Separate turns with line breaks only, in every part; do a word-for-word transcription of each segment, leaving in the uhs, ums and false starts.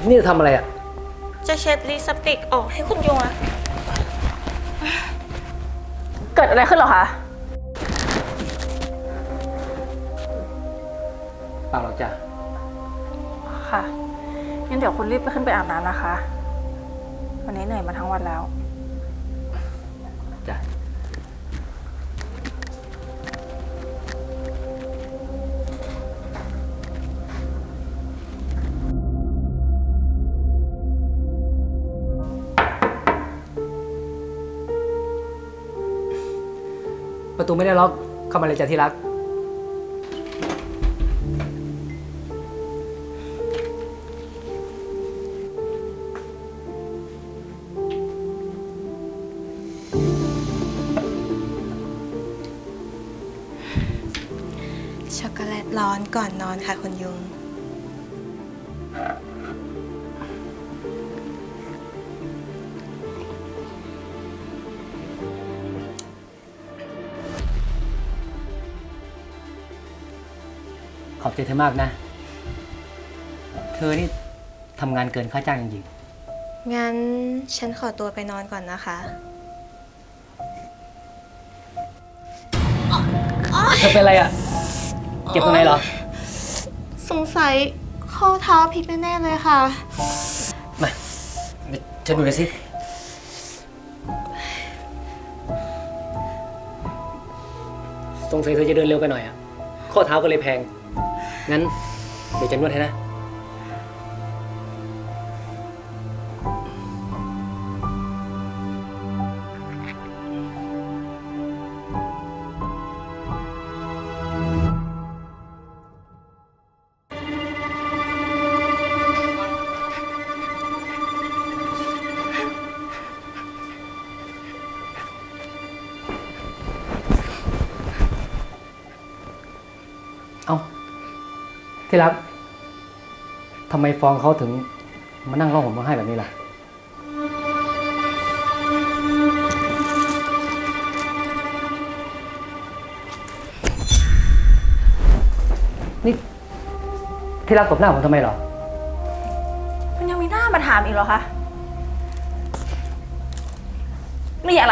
นี่จะทำอะไรอ่ะ
จะเช็ดลิปสติกออกให้คุณยุงอะ
เกิดอะไรขึ้นเหรอคะ
เปล่าหรอกจ้ะ
ค่ะงั้นเดี๋ยวคุณรีบไปขึ้นไปอาบน้ำนะคะวันนี้เหนื่อยมาทั้งวันแล้ว
จ้ะประตูไม่ได้ล็อกเข้ามาเลยจ้ะที่รัก
ช็อกโกแลตร้อนก่อนนอนค่ะคุณยุง
ขอบใจเธอมากนะ เธอนี่ทำงานเกินค่าจ้างจริง
งั้นฉันขอตัวไปนอนก่อนนะคะ
ๆเธอเป็นอะไรอ่ะ เจ็บตรงไหนเหรอ
สงสัยข้อเท้าพลิกแน่ๆเลยค่ะ
มาเดี๋ยวฉันดูหน่อยสิสงสัยเธอจะเดินเร็วไปหน่อยอ่ะ ข้อเท้าก็เลยแพง งั้นเดี๋ยวจะนวดให้นะ เอ้าที่รักทำไมฟองเขาถึงมานั่งร้องห่มร้องไห้แบบนี้ล่ะนี่ที่รักตบหน้าผมทำไมหรอ
คุณยังมีหน้ามาถามอีกเหรอคะนี่อะไร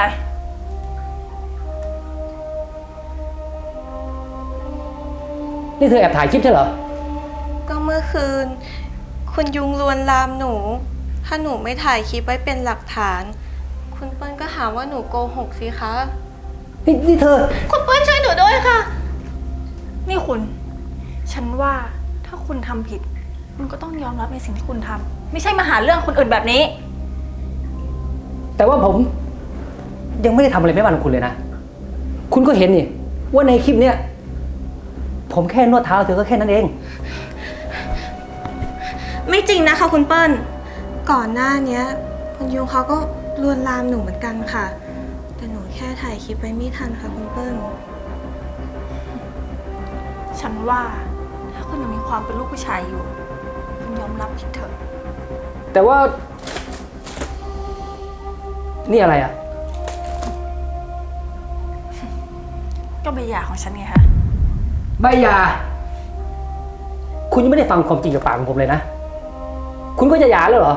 นี่เธอแอบถ่ายคลิปใช่เหรอ
ก็เมื่อคืน คุณยุงลวนลามหนู ถ้าหนูไม่ถ่ายคลิปไว้เป็นหลักฐาน คุณเปิ้ลก็หาว่าหนูโกหกสิคะ
นี่นี่เธอ
คุณเปิ้ลช่วยหนูด้วยค่ะ
นี่คุณฉันว่าถ้าคุณทำผิดคุณก็ต้องยอมรับในสิ่งที่คุณทำไม่ใช่มาหาเรื่องคนอื่นแบบนี้
แต่ว่าผมยังไม่ได้ทำอะไรไม่บ้านของคุณเลยนะคุณก็เห็นนี่ว่าในคลิปเนี้ยผมแค่นวดเท้าเธอก็แค่นั้นเอง
ไม่จริงนะคะคุณเปิ้ลก่อนหน้านี้คุณยุงเขาก็ลวนลามหนูเหมือนกันค่ะแต่หนูแค่ถ่ายคลิปไว้ไม่ทันค่ะคุณเปิ้ล
ฉันว่าถ้าคุณยังมีความเป็นลูกผู้ชายอยู่คุณยอมรับผิดเถอะ
แต่ว่านี่อะไรอ่ะ
ก็ใบหย่าของฉันไงคะ
ใบหย่าคุณยังไม่ได้ฟังความจริงจากปากของผมเลยนะคุณก็จะหย่าแล้วเหรอ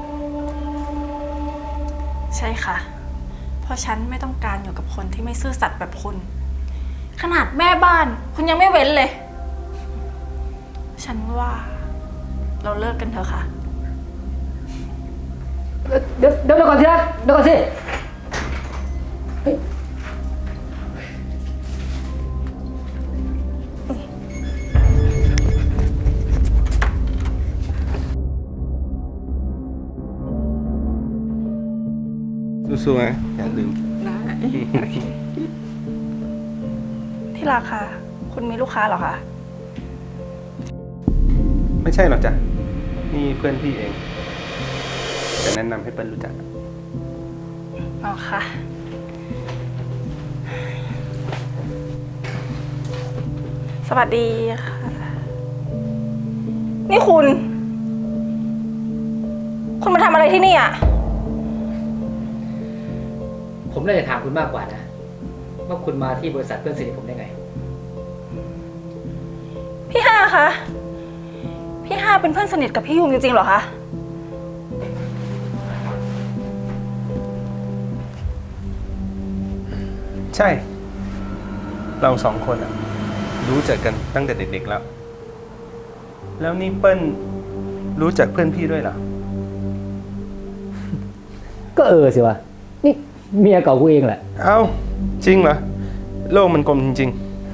ใช่ค่ะเพราะฉันไม่ต้องการอยู่กับคนที่ไม่ซื่อสัตย์แบบคุณขนาดแม่บ้านคุณยังไม่เว้นเลยฉันว่าเราเลิกกันเถอะค่ะ
เดี๋ยวเดี๋ยวก่อนสิครับเดี๋ยวก่อนสิ
สู้ๆนะอย่าลืม
ที่ราคาคุณมีลูกค้าเหรอคะ
ไม่ใช่หรอกจ้ะนี่เพื่อนพี่เองจะแนะนำให้เปิ้ลรู้จัก
อ๋อค่ะสวัสดีค่ะนี่คุณคุณมาทำอะไรที่นี่อ่ะ
ผมน่าจะถามคุณมากกว่านะว่าคุณมาที่บริษัทเพื่อนสนิทผมได้ไง
พี่ห้าคะพี่ห้าเป็นเพื่อนสนิทกับพี่ยุงจริงๆเหรอคะ
ใช่ เราสองคนอะรู้จักกันตั้งแต่เด็กๆแล้ว แล้วนี่เปิ้ลรู้จักเพื่อนพี่ด้วยเหรอ
ก็เออสิวะ นี่เมียเก่ากูเองแหละ
เอ้า จริงเหรอ โลกมันกลมจริง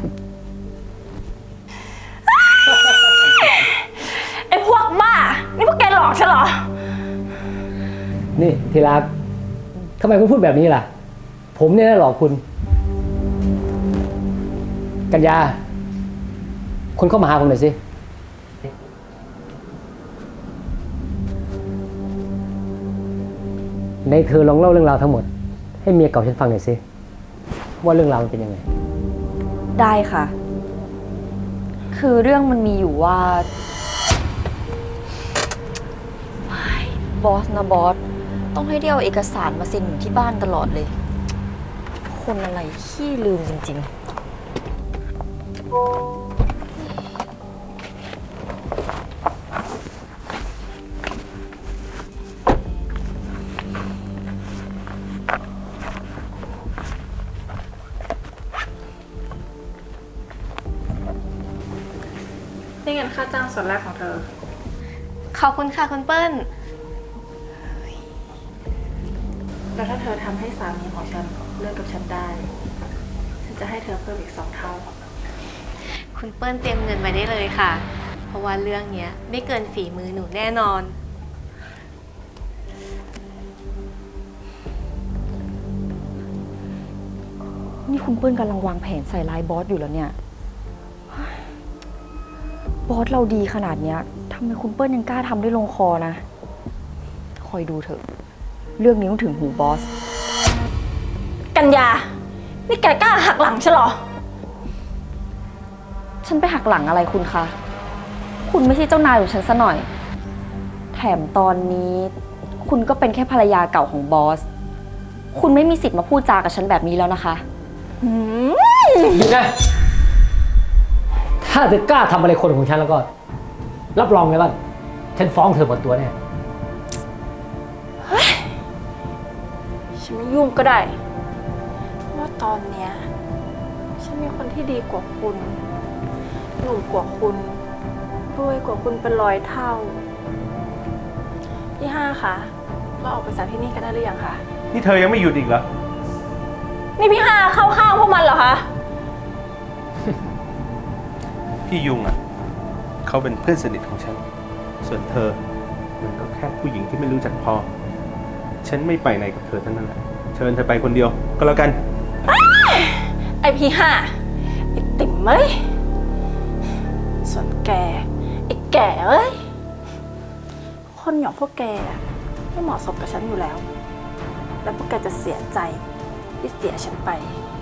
ไอ้พวกบ้า นี่พวกแกหลอกฉันเหรอ
นี่ทีรักทำไมคุณพูดแบบนี้ล่ะ ผมเนี่ยนะหลอกคุณ กัญญาคุณเข้ามาหาผมหน่อยสิ ในเธอลองเล่าเรื่องราวทั้งหมด ให้เมียเก่าฉันฟังหน่อยสิ ว่าเรื่องราวมันเป็นยังไง
ได้ค่ะ คือเรื่องมันมีอยู่ว่าบอสนะบอส ต้องให้เดียวเอกสารมาเซ็นอยู่ที่บ้านตลอดเลย คนอะไรขี้ลืมจริง ๆ
นี่เงินค่าจ้างส่วนแรกของเธอ
ขอบคุณค่ะคุณเปิ้ล
แล้วถ้าเธอทำให้สามีของฉันเลิกกับฉันได้ ฉันจะให้เธอเพิ่มอีกสองเท่า
คุณเปิ้ลเตรียมเงินไว้ได้เลยค่ะ เพราะว่าเรื่องเนี้ยไม่เกินฝีมือหนูแน่นอน
นี่คุณเปิ้ลกำลังวางแผนใส่ร้ายบอสอยู่แล้วเนี่ย บอสเราดีขนาดเนี้ยทำไมคุณเปิ้ลยังกล้าทำได้ลงคอนะ คอยดูเถอะ เรื่องนี้ต้องถึงหูบอส
กัญญา นี่แกกล้าหักหลังฉันเหรอ
ฉันไปหักหลังอะไรคุณคะ คุณไม่ใช่เจ้านายของฉันซะหน่อย แถมตอนนี้ คุณก็เป็นแค่ภรรยาเก่าของบอส คุณไม่มีสิทธิ์มาพูดจากับฉันแบบนี้แล้วนะคะ
หยุดนะ ถ้าเธอกล้าทำอะไรคนของฉันแล้วก็ รับรองเลยว่า ฉันฟ้องเธอหมดตัวแน่
ฉันไม่ยุ่งก็ได้เพราะว่าตอนเนี้ยฉันมีคนที่ดีกว่าคุณหนุ่มกว่าคุณรวยกว่าคุณเป็นร้อยเท่าพี่ห้าคะเราออกไปจากที่นี่กันได้หรือยังคะ
ๆ นี่เธอยังไม่หยุดอีกเหรอ
นี่พี่ห้าเข้าข้างพวกมันเหรอคะ
พี่ยุงอ่ะ เขาเป็นเพื่อนสนิทของฉัน ส่วนเธอ มันก็แค่ผู้หญิงที่ไม่รู้จักพอ ฉันไม่ไปไหนกับเธอทั้งนั้นแหละ เชิญเธอไปคนเดียวก็แล้วกัน
ไอพี่ห้าไอติ่มเอ้ยส่วนแกไอแก่เอ้ยคนอย่างพวกแกอะไม่เหมาะสมกับฉันอยู่แล้ว แล้วพวกแกจะเสียใจที่เสียฉันไป